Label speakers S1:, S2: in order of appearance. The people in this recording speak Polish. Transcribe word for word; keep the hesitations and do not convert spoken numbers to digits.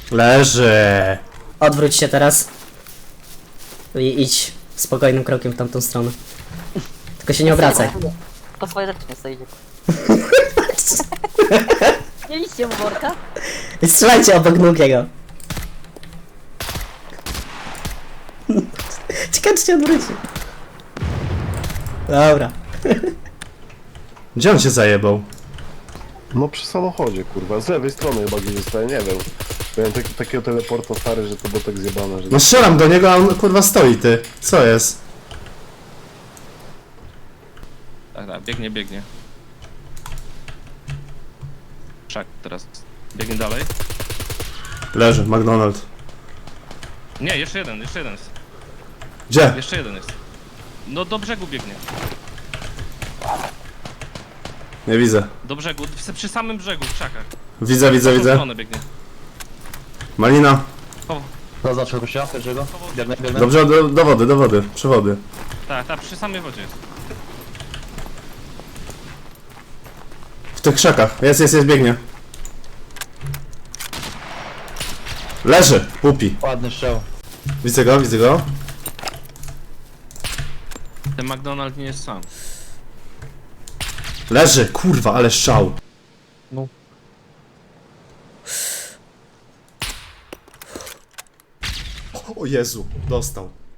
S1: Leży.
S2: Odwróć się teraz. I idź spokojnym krokiem w tamtą stronę. Tylko się nie obracaj.
S3: Po swoje rzeczy nie stoicie. Mieliście mu worka?
S2: I strzelajcie obok nóg jego. Ciekawe, czy się odwróci. Dobra.
S1: Gdzie on się zajebał?
S4: No przy samochodzie, kurwa, z lewej strony chyba gdzieś zostaje, nie wiem. Miałem taki, takiego teleporta stary, że to było tak zjebane, że...
S1: No strzelam do niego, a on kurwa stoi, ty. Co jest?
S5: Tak, tak, biegnie, biegnie. Szak teraz. Biegnie dalej.
S1: Leży, McDonald.
S5: Nie, jeszcze jeden, jeszcze jeden jest.
S1: Gdzie?
S5: Jeszcze jeden jest. No do brzegu biegnie.
S1: Nie widzę.
S5: Do brzegu, w- przy samym brzegu, w krzakach.
S1: Widzę, widzę,
S5: W tą
S1: widzę.
S5: stronę biegnie.
S1: Malina.
S6: Zaznaczył gościa pierwszego. Biegnę, biegnę.
S1: Dobrze, do, do wody, do wody. Przy wody.
S5: Tak, tak, przy samej wodzie jest.
S1: W tych krzakach. Jest, jest, jest, biegnie. Leży. Pupi.
S6: Ładny strzał.
S1: Widzę go, widzę go.
S5: Ten McDonald nie jest sam.
S1: Leży. Kurwa, ale strzał.
S6: No.
S1: O Jezu, dostał.